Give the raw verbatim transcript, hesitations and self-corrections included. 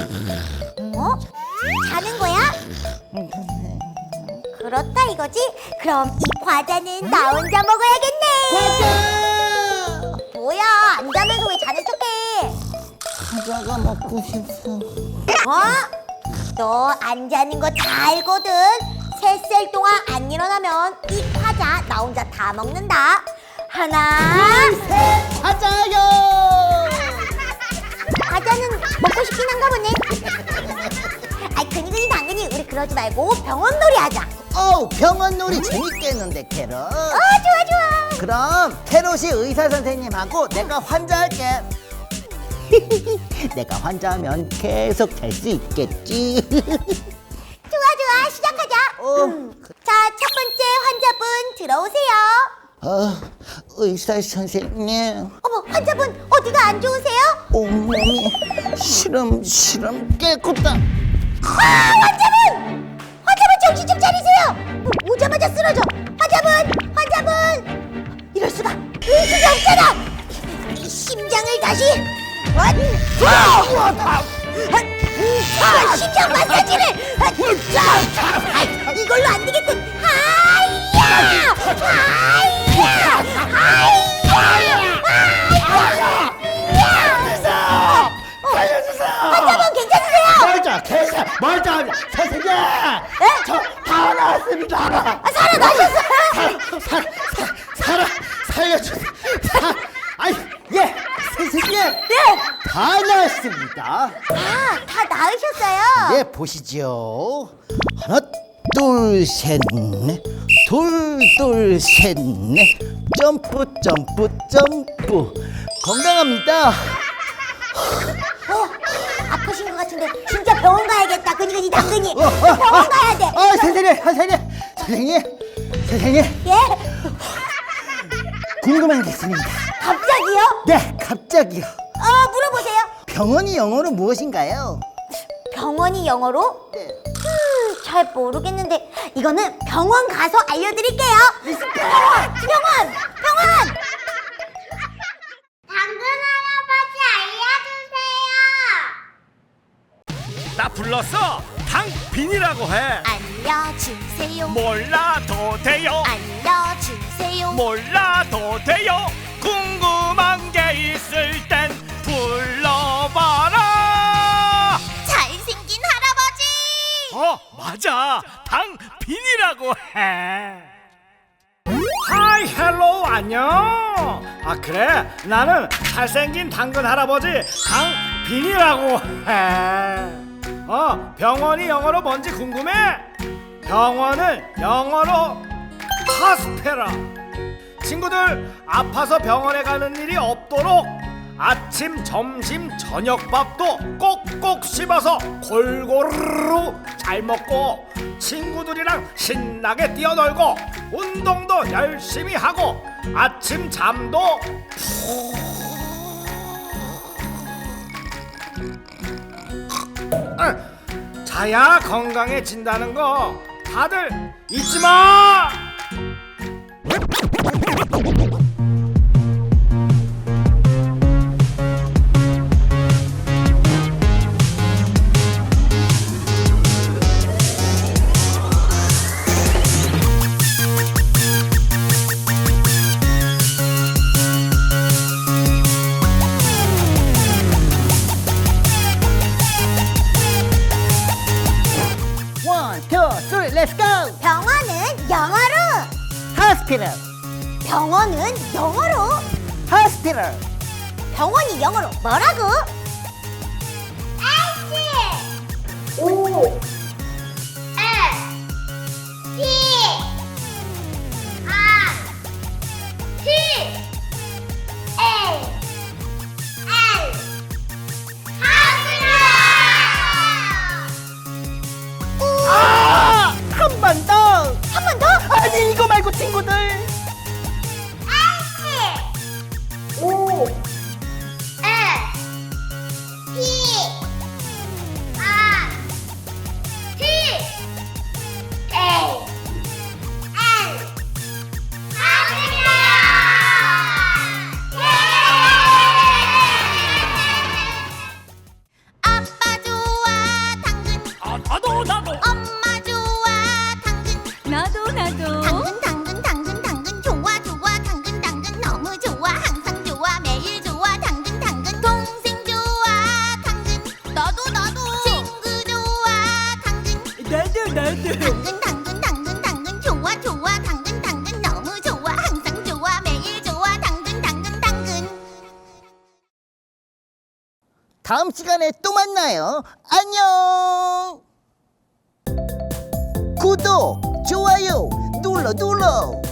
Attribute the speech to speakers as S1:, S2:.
S1: 어? 자는 거야? 그렇다 이거지? 그럼 이 과자는 나 혼자 먹어야겠네.
S2: 과자!
S1: 뭐야, 안 자면서 왜 자는 척해?
S2: 과자가 먹고 싶어.
S1: 어? 너 안 자는 거 다 알거든. 세 살 동안 안 일어나면 이 과자 나 혼자 다 먹는다. 하나,
S2: 셋! 과자요!
S1: 과자는 먹고 싶긴 한가 보네. 아이, 근이근이 당근이 우리 그러지 말고 병원놀이 하자.
S2: 어우, 병원놀이 재밌겠는데, 캐럿.
S1: 어, 좋아 좋아.
S2: 그럼 캐럿이 의사 선생님하고 내가 환자할게. 내가 환자하면 계속 잘 수 있겠지.
S1: 좋아 좋아, 시작하자.
S2: 어.
S1: 음. 자, 첫 번째 환자분 들어오세요.
S2: 어, 의사 선생님,
S1: 어머, 환자분 어디가 안 좋으세요?
S2: 온몸이 시름시름 깨끗다.
S1: 아, 환자분! 환자분 정신 좀 차리세요. 오, 오자마자 쓰러져. 환자분, 환자분. 이럴 수가. 의식이 없잖아. 이 심장을 다시. 원, 투. 아, 심장 마사지를. 아, 이걸로 안 되겠군. 하이야! 하이야! 하이야! 하이야!
S2: 살려주세요!
S1: 환자분 괜찮으세요?
S2: 멀쩡, 계속 멀쩡, 선생님! 저 다 나왔습니다!
S1: 아, 살아나셨어요?
S2: 살, 살, 살아, 살려주세요! 사, 아이, 예! 선생님!
S1: 네.
S2: 다 나왔습니다!
S1: 아, 다 나으셨어요?
S2: 네, 보시죠. 하나, 둘, 셋, 넷. 둘, 둘, 셋, 넷. 점프, 점프, 점프. 건강합니다.
S1: 어, 아프신 것 같은데 진짜 병원 가야겠다. 근이근이 당근이
S2: 어, 어,
S1: 병원 가야 돼.
S2: 아, 선생님, 선생님, 선생님, 선생님,
S1: 예?
S2: 궁금한 게 있습니다.
S1: 갑자기요?
S2: 네, 갑자기요.
S1: 어, 물어보세요.
S2: 병원이 영어로 무엇인가요?
S1: 병원이 영어로?
S2: 네.
S1: 음, 잘 모르겠는데 이거는 병원 가서 알려드릴게요. 병원! 병원! 병원! 당근 할아버지 알려주세요.
S3: 나 불렀어. 당빈이라고 해.
S1: 알려주세요.
S3: 몰라도 돼요.
S1: 알려주세요.
S3: 몰라도 돼요. 궁금한 게 있을 땐 불러봐라.
S1: 잘생긴 할아버지.
S3: 어, 맞아. 당빈이라고 해. 하이, 헬로, 안녕. 아, 그래? 나는 잘생긴 당근 할아버지 당빈이라고 해. 어, 병원이 영어로 뭔지 궁금해? 병원은 영어로 하스페라. 친구들, 아파서 병원에 가는 일이 없도록 아침, 점심, 저녁밥도 꼭꼭 씹어서 골고루 잘 먹고 친구들이랑 신나게 뛰어놀고 운동도 열심히 하고 아침 잠도 푹 자야 건강해진다는 거 다들 잊지 마!
S2: 원, 투, 쓰리, 렛츠 고!
S1: 병원은 영어로.
S2: 하스피럴,
S1: 병원은 영어로.
S2: 하스피럴.
S1: 병원이 영어로 뭐라고? S O S P R T A L
S2: 아! 한 번 더!
S1: 한 번 더?
S2: 아니, 이거 말고 친구들!
S1: S O S
S2: 다음 시간에 또 만나요. 안녕. 구독, 좋아요 눌러 눌러.